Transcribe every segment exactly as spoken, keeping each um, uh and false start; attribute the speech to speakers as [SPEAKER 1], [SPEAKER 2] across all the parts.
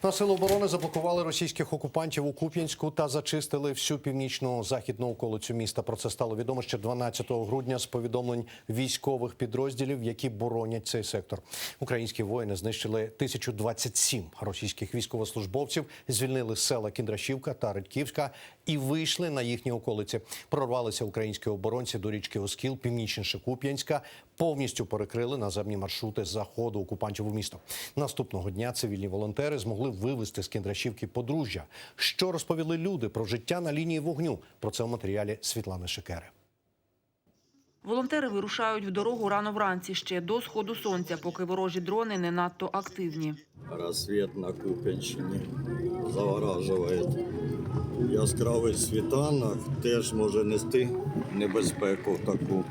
[SPEAKER 1] На сили оборони заблокували російських окупантів у Куп'янську та зачистили всю північну західну околицю міста. Про це стало відомо ще дванадцятого грудня з повідомлень військових підрозділів, які боронять цей сектор. Українські воїни знищили тисячу двадцять сім російських військовослужбовців, звільнили села Кіндрашівка та Редьківська і вийшли на їхні околиці. Прорвалися українські оборонці до річки Оскіл, північніше Куп'янська, повністю перекрили наземні маршрути заходу окупантів у місто. Наступного дня цивільні волонтери змогли вивезти з Кіндрашівки подружжя. Що розповіли люди про життя на лінії вогню? Про це у матеріалі Світлани Шикери.
[SPEAKER 2] Волонтери вирушають в дорогу рано вранці, ще до сходу сонця, поки ворожі дрони не надто активні.
[SPEAKER 3] Розсвіт на Куп'янщині заворажує. Яскравий світанок теж може нести небезпеку таку.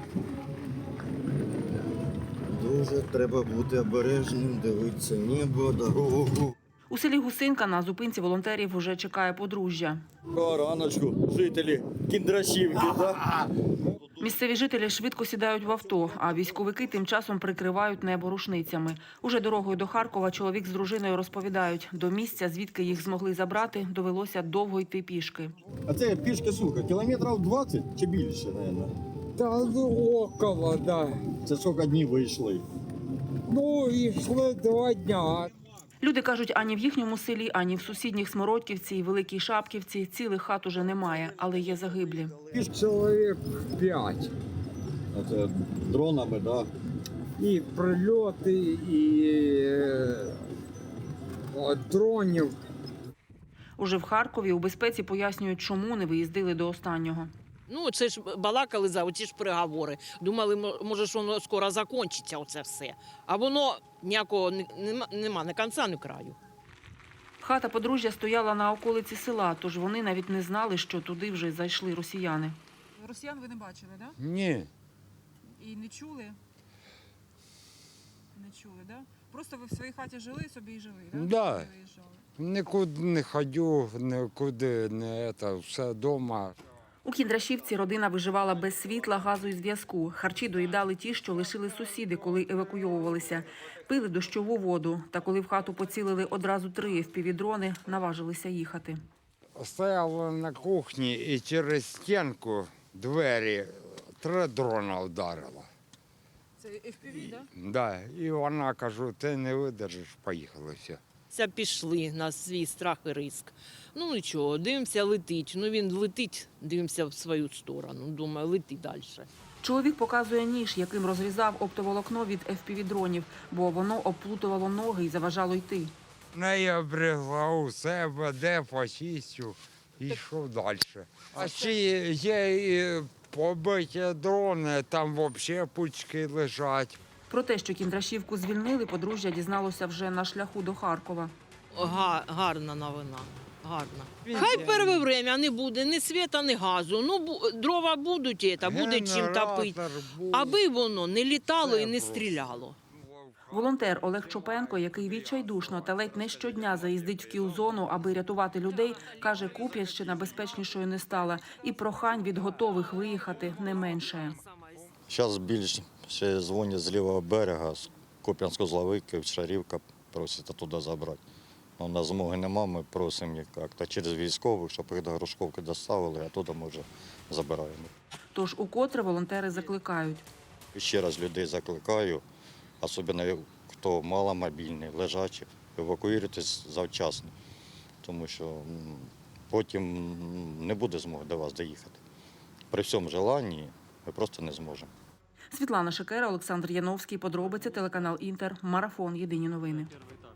[SPEAKER 3] Дуже треба бути обережним, дивитися небо, дорогу.
[SPEAKER 2] У селі Гусинка на зупинці волонтерів уже чекає подружжя.
[SPEAKER 3] Раночку, жителі Кіндрашівки, так?
[SPEAKER 2] Місцеві жителі швидко сідають в авто, а військовики тим часом прикривають небо рушницями. Уже дорогою до Харкова чоловік з дружиною розповідають, до місця, звідки їх змогли забрати, довелося довго йти пішки.
[SPEAKER 3] А це пішки, слухай, кілометрів двадцять чи більше, мабуть?
[SPEAKER 4] Та ну, около, да.
[SPEAKER 3] Це скільки днів вийшли?
[SPEAKER 4] Ну, йшли два дня.
[SPEAKER 2] Люди кажуть, ані в їхньому селі, ані в сусідніх Смородківці і Великій Шапківці цілих хат уже немає, але є загиблі.
[SPEAKER 4] Чоловік п'ять.
[SPEAKER 3] Це дронами, так?
[SPEAKER 4] І прильоти, і е, дронів.
[SPEAKER 2] Уже в Харкові у безпеці пояснюють, чому не виїздили до останнього.
[SPEAKER 5] Ну, це ж балакали за оці ж переговори. Думали, може, що воно скоро закінчиться, оце все. А воно ніякого нема, нема ні кінця, ні краю.
[SPEAKER 2] Хата подружжя стояла на околиці села, тож вони навіть не знали, що туди вже зайшли росіяни.
[SPEAKER 6] Росіян ви не бачили, так?
[SPEAKER 4] Ні.
[SPEAKER 6] Да? І не чули? Не чули, так? Да? Просто ви в своїй хаті жили собі і жили, так?
[SPEAKER 4] Да.
[SPEAKER 6] Не виїжджали.
[SPEAKER 4] Нікуди не ходю, нікуди не це, все вдома.
[SPEAKER 2] У Кіндрашівці родина виживала без світла, газу і зв'язку. Харчі доїдали ті, що лишили сусіди, коли евакуйовувалися. Пили дощову воду. Та коли в хату поцілили одразу три еф пі ві-дрони, наважилися їхати.
[SPEAKER 4] Стояла на кухні і через стінку двері три дрона вдарило.
[SPEAKER 6] Це еф пі ві, так? Да?
[SPEAKER 4] Да. І вона, кажу, ти не видержиш, поїхали все.
[SPEAKER 5] Це пішли на свій страх і риск. Ну нічого, дивимося, летить. Ну він летить, дивимося в свою сторону. Думаю, лети далі.
[SPEAKER 2] Чоловік показує ніж, яким розрізав оптоволокно від еф пі ві-дронів, бо воно обплутувало ноги і заважало йти.
[SPEAKER 4] Не обрізла у себе, де почистю, і йшов далі. А ще є і побиті дрони, там взагалі пучки лежать.
[SPEAKER 2] Про те, що Кіндрашівку звільнили, подружжя дізналося вже на шляху до Харкова.
[SPEAKER 5] Га, гарна новина. Гарна. Хай перше время не буде ні світа, ні газу. Ну, бу, дрова будуть, і це, буде чим топити. Аби воно не літало і не стріляло.
[SPEAKER 2] Волонтер Олег Чопенко, який відчайдушно та ледь не щодня заїздить в кіл-зону, аби рятувати людей, каже, Куп'янщина безпечнішою не стала. І прохань від готових виїхати не менше.
[SPEAKER 3] Зараз більше ще дзвонять з лівого берега, з Куп'янсько-Зловики, Шарівка, просять туди забрати. Ну, на змоги нема, ми просимо їх як-то через військових, щоб їх до Грушковки доставили, а туди ми вже забираємо.
[SPEAKER 2] Тож укотре волонтери закликають.
[SPEAKER 3] Ще раз людей закликаю, особливо хто маломобільний, лежачий, евакуюйтесь завчасно, тому що м, потім м, не буде змоги до вас доїхати. При всьому бажанні ми просто не зможемо.
[SPEAKER 2] Світлана Шикера, Олександр Яновський. Подробиці, телеканал Інтер. Марафон. Єдині новини.